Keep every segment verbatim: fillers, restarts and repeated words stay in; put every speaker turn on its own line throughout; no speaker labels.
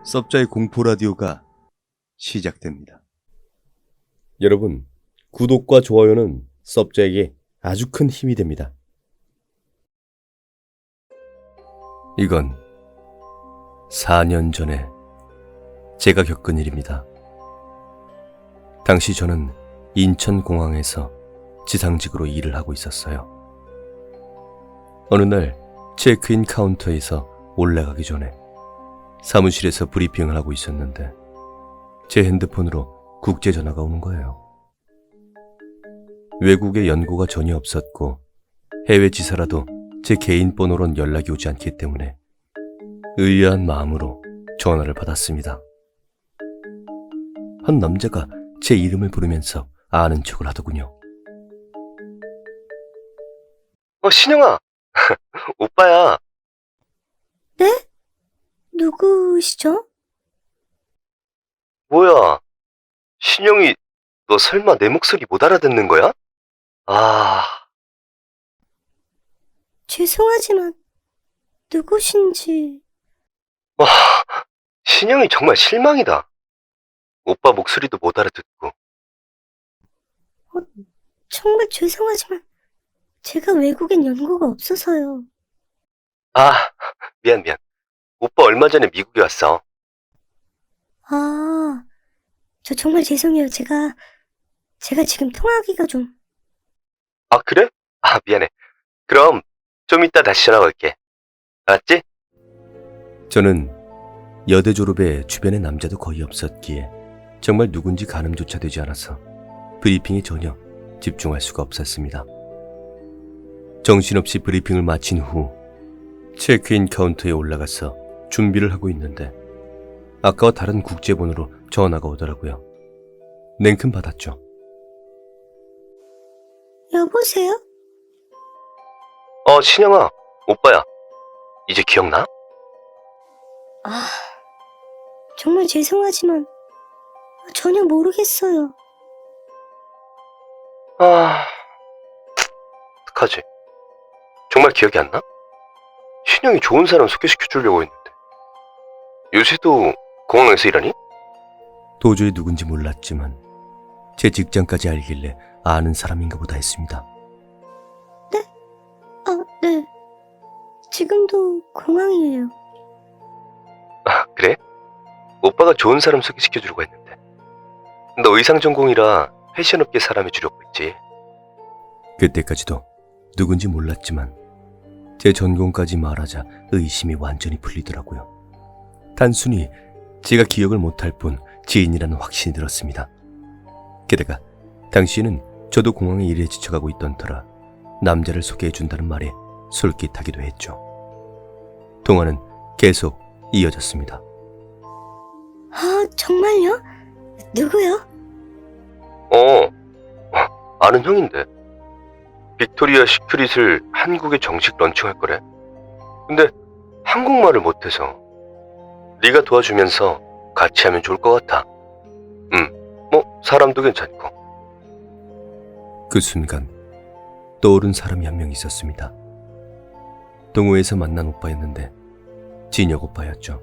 썹자의 공포 라디오가 시작됩니다.
여러분, 구독과 좋아요는 썹자에게 아주 큰 힘이 됩니다. 이건 사 년 전에 제가 겪은 일입니다. 당시 저는 인천공항에서 지상직으로 일을 하고 있었어요. 어느 날 체크인 카운터에서 올라가기 전에 사무실에서 브리핑을 하고 있었는데 제 핸드폰으로 국제 전화가 오는 거예요. 외국에 연고가 전혀 없었고 해외 지사라도 제 개인 번호론 연락이 오지 않기 때문에 의아한 마음으로 전화를 받았습니다. 한 남자가 제 이름을 부르면서 아는 척을 하더군요.
어, 신영아! 오빠야!
네? 누구시죠?
뭐야? 신영이, 너 설마 내 목소리 못 알아듣는 거야? 아,
죄송하지만 누구신지...
와, 신영이 정말 실망이다. 오빠 목소리도 못 알아듣고.
정말 죄송하지만 제가 외국엔 연고가 없어서요.
아, 미안, 미안. 오빠 얼마 전에 미국에 왔어.
아, 저 정말 죄송해요. 제가 제가 지금 통화하기가 좀...
아, 그래? 아, 미안해. 그럼 좀 이따 다시 전화 걸게. 알았지?
저는 여대 졸업에 주변에 남자도 거의 없었기에 정말 누군지 가늠조차 되지 않아서 브리핑에 전혀 집중할 수가 없었습니다. 정신없이 브리핑을 마친 후 체크인 카운터에 올라가서 준비를 하고 있는데 아까와 다른 국제번호로 전화가 오더라고요. 냉큼 받았죠.
여보세요?
어, 신영아, 오빠야. 이제 기억나?
아, 정말 죄송하지만 전혀 모르겠어요.
아, 어떡하지? 정말 기억이 안 나? 신영이 좋은 사람 소개시켜 주려고 했는데. 요새도 공항에서 일하니?
도저히 누군지 몰랐지만 제 직장까지 알길래 아는 사람인가 보다 했습니다.
아, 네. 지금도 공항이에요.
아, 그래? 오빠가 좋은 사람 소개시켜 주려고 했는데. 너 의상 전공이라 패션업계 사람이 주려고 했지.
그때까지도 누군지 몰랐지만 제 전공까지 말하자 의심이 완전히 풀리더라고요. 단순히 제가 기억을 못할 뿐 지인이라는 확신이 들었습니다. 게다가 당시에는 저도 공항에 일에 지쳐가고 있던 터라 남자를 소개해준다는 말에 솔깃하기도 했죠. 통화는 계속 이어졌습니다.
아, 정말요? 누구요?
어, 아는 형인데. 빅토리아 시크릿을 한국에 정식 런칭할 거래. 근데 한국말을 못해서 네가 도와주면서 같이 하면 좋을 것 같아. 응, 뭐 사람도 괜찮고.
그 순간 떠오른 사람이 한 명 있었습니다. 동호회에서 만난 오빠였는데 진혁 오빠였죠.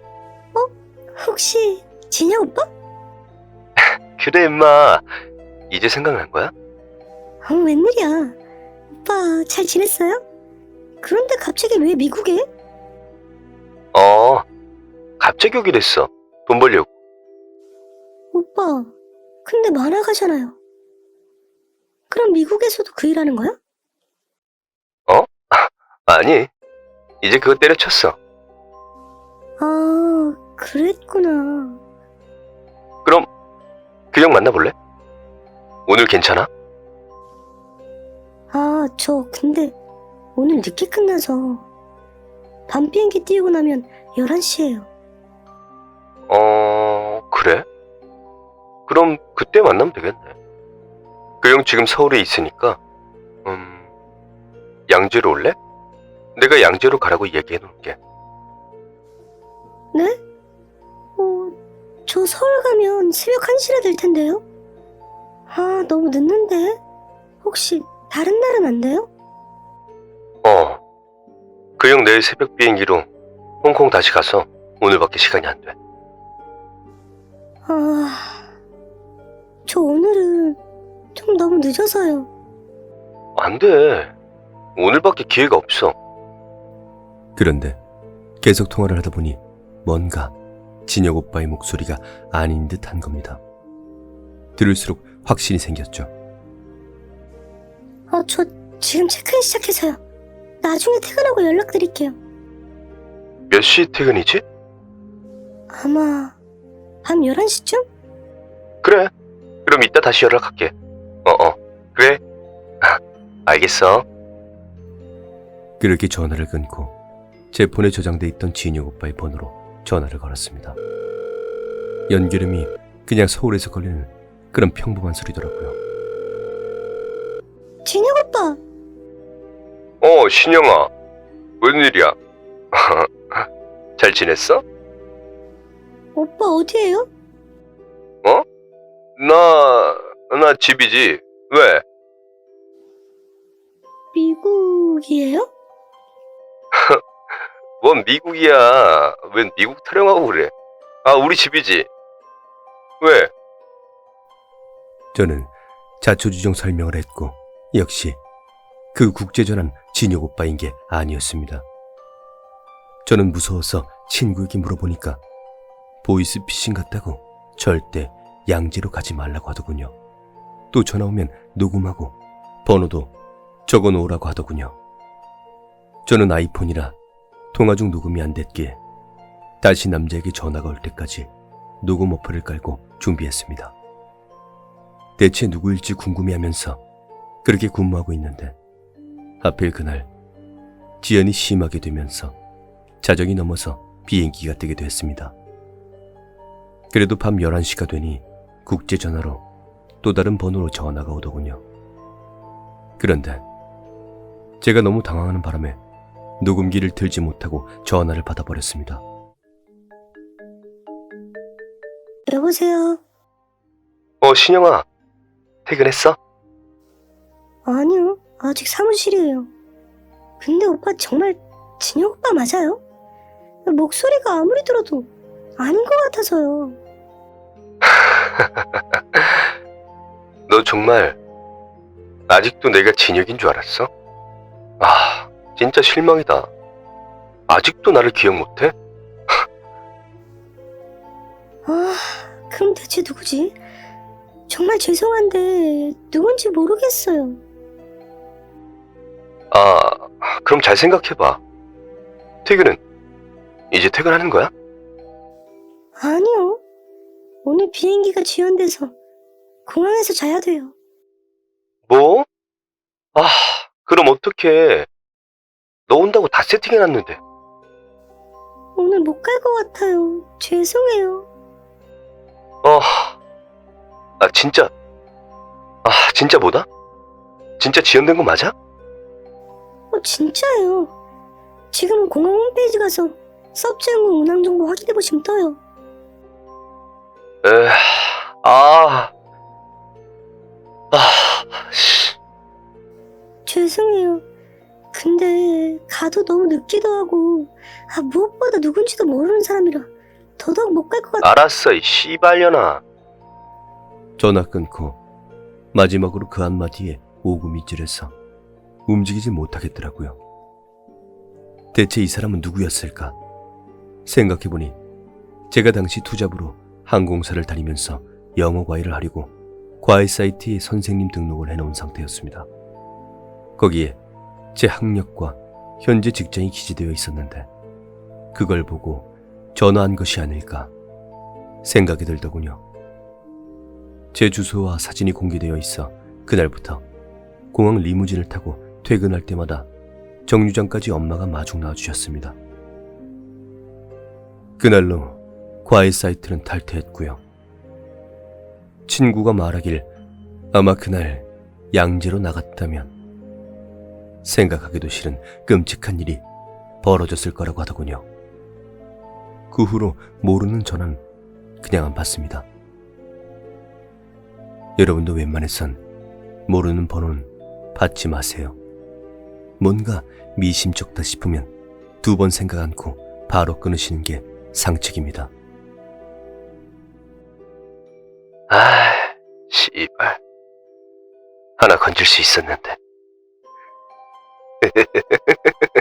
혹시 진혁 오빠?
그래 임마. 이제 생각난 거야?
어, 웬일이야. 오빠 잘 지냈어요? 그런데 갑자기 왜 미국에?
어, 갑자기 오기로 했어. 돈 벌려고.
오빠, 근데 만화가잖아요. 그럼 미국에서도 그 일하는 거야?
어? 아니, 이제 그거 때려쳤어.
아, 그랬구나.
그럼 그 형 만나볼래? 오늘 괜찮아?
아, 저 근데 오늘 늦게 끝나서 밤 비행기 띄우고 나면 열한 시예요.
어, 그래? 그럼 그때 만나면 되겠네. 그 형 지금 서울에 있으니까 음, 양재로 올래? 내가 양재로 가라고 얘기해 놓을게.
네? 어, 저 서울 가면 새벽 한 시라 될 텐데요? 아, 너무 늦는데? 혹시 다른 날은 안 돼요?
어, 그 형 내일 새벽 비행기로 홍콩 다시 가서 오늘밖에 시간이 안 돼.
아, 저 오늘은 좀 너무 늦어서요.
안 돼. 오늘밖에 기회가 없어.
그런데 계속 통화를 하다 보니 뭔가 진혁 오빠의 목소리가 아닌 듯한 겁니다. 들을수록 확신이 생겼죠.
어, 저 지금 체크인 시작해서요. 나중에 퇴근하고 연락드릴게요.
몇 시 퇴근이지?
아마 밤 열한 시쯤?
그래. 그럼 이따 다시 연락할게. 어어. 그래. 알겠어.
그렇게 전화를 끊고 제 폰에 저장돼 있던 진혁 오빠의 번호로 전화를 걸었습니다. 연결음이 그냥 서울에서 걸리는 그런 평범한 소리더라고요.
진혁 오빠,
어, 신영아. 웬일이야? 잘 지냈어?
오빠 어디에요?
어? 나, 나 집이지. 왜?
미국이에요?
뭔 미국이야. 웬 미국 타령하고 그래. 아, 우리 집이지. 왜?
저는 자초지종 설명을 했고 역시 그 국제전환 진혁 오빠인 게 아니었습니다. 저는 무서워서 친구에게 물어보니까 보이스피싱 같다고 절대 양재로 가지 말라고 하더군요. 또 전화 오면 녹음하고 번호도 적어놓으라고 하더군요. 저는 아이폰이라 통화 중 녹음이 안 됐기에 다시 남자에게 전화가 올 때까지 녹음 어플을 깔고 준비했습니다. 대체 누구일지 궁금해하면서 그렇게 근무하고 있는데 하필 그날 지연이 심하게 되면서 자정이 넘어서 비행기가 뜨게 됐습니다. 그래도 밤 열한 시가 되니 국제전화로 또 다른 번호로 전화가 오더군요. 그런데 제가 너무 당황하는 바람에 녹음기를 들지 못하고 전화를 받아버렸습니다.
여보세요?
어, 신영아. 퇴근했어?
아니요, 아직 사무실이에요. 근데 오빠 정말 진혁 오빠 맞아요? 목소리가 아무리 들어도 아닌 것 같아서요.
너 정말 아직도 내가 진혁인 줄 알았어? 아, 진짜 실망이다. 아직도 나를 기억 못해?
아, 그럼 대체 누구지? 정말 죄송한데 누군지 모르겠어요.
아, 그럼 잘 생각해봐. 퇴근은? 이제 퇴근하는 거야?
아니요. 오늘 비행기가 지연돼서 공항에서 자야 돼요.
뭐? 아, 그럼 어떡해. 너 온다고 다 세팅해놨는데.
오늘 못 갈 것 같아요. 죄송해요.
어, 아, 진짜. 아, 진짜 뭐다? 진짜 지연된 거 맞아?
어, 진짜예요. 지금 공항 홈페이지 가서 서브제공 운항 정보 확인해 보시면 떠요.
에, 아, 아, 씨.
죄송해요. 근데 가도 너무 늦기도 하고 아, 무엇보다 누군지도 모르는 사람이라 더더욱 못 갈 것 같아.
알았어, 이 씨발년아.
전화 끊고 마지막으로 그 한마디에 오금이 찌려서 움직이지 못하겠더라고요. 대체 이 사람은 누구였을까? 생각해보니 제가 당시 투잡으로 항공사를 다니면서 영어 과외를 하려고 과외 사이트에 선생님 등록을 해놓은 상태였습니다. 거기에 제 학력과 현재 직장이 기재되어 있었는데 그걸 보고 전화한 것이 아닐까 생각이 들더군요. 제 주소와 사진이 공개되어 있어 그날부터 공항 리무진을 타고 퇴근할 때마다 정류장까지 엄마가 마중 나와주셨습니다. 그날로 과외 사이트는 탈퇴했고요. 친구가 말하길 아마 그날 양재로 나갔다면 생각하기도 싫은 끔찍한 일이 벌어졌을 거라고 하더군요. 그 후로 모르는 전화는 그냥 안 받습니다. 여러분도 웬만해선 모르는 번호는 받지 마세요. 뭔가 미심쩍다 싶으면 두 번 생각 않고 바로 끊으시는 게 상책입니다.
이발. 하나 건질 수 있었는데.